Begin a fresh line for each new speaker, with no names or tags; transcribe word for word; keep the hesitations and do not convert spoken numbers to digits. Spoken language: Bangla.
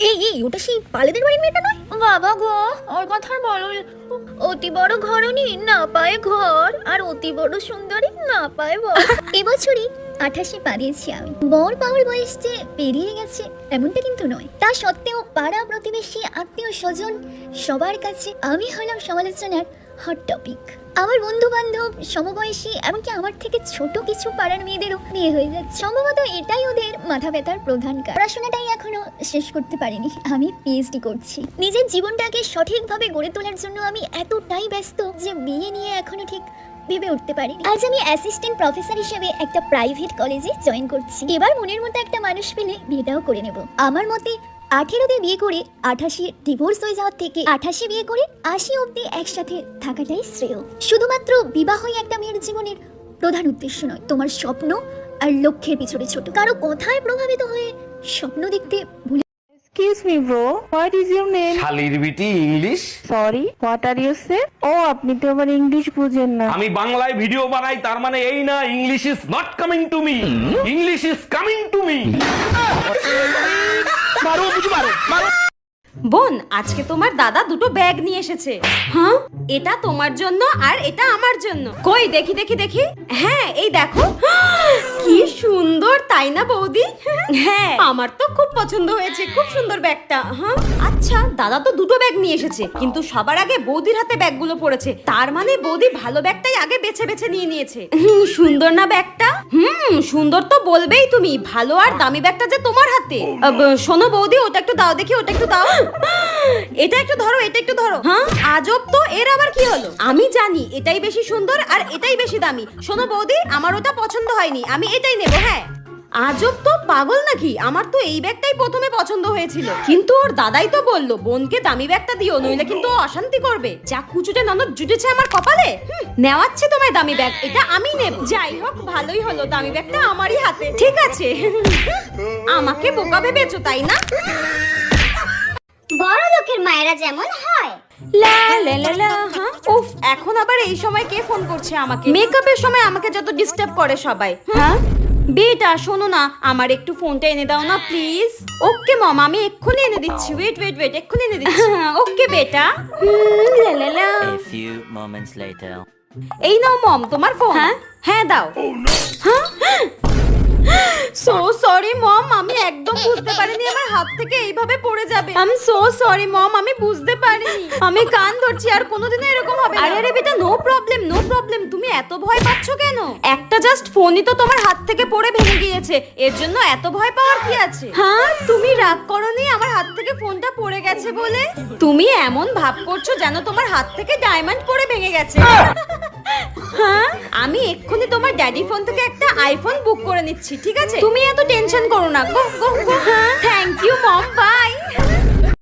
এই এই ওটা সেই পালেদের বাড়ির মেয়েটা নয়? বাবা গো, ওর কথা বলো। অতি বড় ঘরনি না পায় ঘর, আর অতি বড় সুন্দরী না পায় বর। এবছরই আঠাশে পা দিয়েছি আমি। বর পাওয়ার বয়স যে পেরিয়ে গেছে এমনটা কিন্তু নয়। তা সত্ত্বেও পাড়া প্রতিবেশী আত্মীয় স্বজন সবার কাছে আমি হলাম সমালোচনার হট টপিক। আমার বন্ধু বান্ধব সমবয়সী এমনকি আমার থেকে ছোট কিছু পাড়ার মেয়েদেরও বিয়ে হয়ে যাচ্ছে। সম্ভবত এটাই ওদের মাথা ব্যথার প্রধান কারণ। পড়াশোনাটাই এখনো শেষ করতে পারিনি, আমি পিএইচডি করছি। নিজের জীবনটাকে সঠিকভাবে গড়ে তোলার জন্য আমি এতটাই ব্যস্ত যে বিয়ে নিয়ে এখনো ঠিক ভেবে উঠতে পারি। আজ আমি অ্যাসিস্ট্যান্ট প্রফেসর হিসেবে একটা প্রাইভেট কলেজে জয়েন করছি। এবার মনের মতো একটা মানুষ পেলে বিয়েটাও করে নেব। আমার মতে আঠেরোতে বিয়ে করে আঠাশে ডিভোর্স হয়ে যাওয়ার থেকে আঠাশে বিয়ে করে আশি অব্দি একসাথে থাকাটাই শ্রেয়। শুধুমাত্র বিবাহই একটা মেয়ের জীবনের প্রধান উদ্দেশ্য নয়, তোমার স্বপ্ন আর লক্ষ্যের পিছনে ছোট কারো কথায় প্রভাবিত হয়ে স্বপ্ন দেখতে ভুলে।
Excuse me bro, what is your name?
শালির বিটি English.
Sorry, what are you say? ও আপনি তো আবার ইংলিশ বুঝেন না।
আমি বাংলায় ভিডিও বানাই, তার মানে এই না English is not coming to me, English is coming to me. মারো বুঝি মারো মারো।
বোন, আজকে তোমার দাদা দুটো ব্যাগ নিয়ে এসেছে। হ্যাঁ, এটা তোমার জন্য আর এটা আমার জন্য। কই দেখি দেখি দেখি। হ্যাঁ, এই দেখো। কি সুন্দর, তাই না বৌদি? হ্যাঁ, আমার তো খুব পছন্দ হয়েছে, খুব সুন্দর ব্যাগটা। হ্যাঁ, আচ্ছা, দাদা তো দুটো ব্যাগ নিয়ে এসেছে, কিন্তু সবার আগে বৌদির হাতে ব্যাগগুলো পড়েছে। তার মানে বৌদি ভালো ব্যাগটাই আগে বেছে বেছে নিয়ে নিয়েছে। হুম, সুন্দর না ব্যাগটা? হুম, সুন্দর তো বলবেই তুমি। ভালো আর দামি ব্যাগটা যে তোমার হাতে। আব, শোনো বৌদি, ওটা একটু দাও দেখি, ওটা একটু দাও। এটা একটু ধরো, এটা একটু ধরো। হ্যাঁ, আজব তো, এর আবার কি হলো? আমি জানি এটাই বেশি সুন্দর আর এটাই বেশি দামি। শোনো বৌদি, আমার ওটা পছন্দ হয়নি, আমি এটাই নেব। হ্যাঁ, আজব তো, পাগল নাকি? আমার তো এই ব্যাগটাই প্রথমে পছন্দ হয়েছিল, কিন্তু ওর দাদাই তো বললো বোনকে দামি ব্যাগটা দিও, নইলে কিন্তু ও অশান্তি করবে। যা কুচুটে ননদ জুটেছে আমার কপালে। নেওয়াচ্ছে তোমায় দামি ব্যাগ, এটা আমি নেব। যাই হোক, ভালোই হলো, দামি ব্যাগটা আমারই হাতে। ঠিক আছে, আমাকে বোকা ভেবেছো তাই না?
বড় লোকের মায়েরা যেমন হয়।
লা লা লা লা। হ্যাঁ, উফ, এখন আবার এই সময় কে ফোন করছে আমাকে? মেকআপের সময় আমাকে যত ডিস্টার্ব করে সবাই। হ্যাঁ বেটা, শোনো না, আমার একটু ফোনটা এনে দাও না প্লিজ। ওকে মম, আমি এক্ষুনি এনে দিচ্ছি। ওয়েট ওয়েট ওয়েট, এক্ষুনি এনে দিচ্ছি। ওকে বেটা। লা লা লা।
A few moments later.
এই নাও মম, তোমার ফোন। হ্যাঁ হ্যাঁ দাও। হ্যাঁ, সো সরি মম, আমি একদম বুঝতে পারিনি আমার হাত থেকে এইভাবে পড়ে যাবে। I am so sorry mom, আমি বুঝতে পারিনি। আমি কান ধরছি, আর কোনোদিনও এরকম হবে না। আরে আরে বেটা, নো প্রবলেম নো প্রবলেম। তুমি এত ভয় পাচ্ছ কেন? একটা জাস্ট ফোনই তো তোমার হাত থেকে পড়ে ভেঙে গিয়েছে, এর জন্য এত ভয় পাওয়ার কি আছে? হ্যাঁ, তুমি রাগ করোনি আমার হাত থেকে ফোনটা পড়ে গেছে বলে? তুমি এমন ভাব করছো যেন তোমার হাত থেকে ডায়মন্ড পড়ে ভেঙে গেছে। হ্যাঁ, আমি এক্ষুনি তোমার ড্যাডি ফোন থেকে একটা আইফোন বুক করে নিচ্ছি, ঠিক আছে? তুমি এত টেনশন করো না। গো গো গো। হ্যাঁ, থ্যাংক ইউ মম, বাই।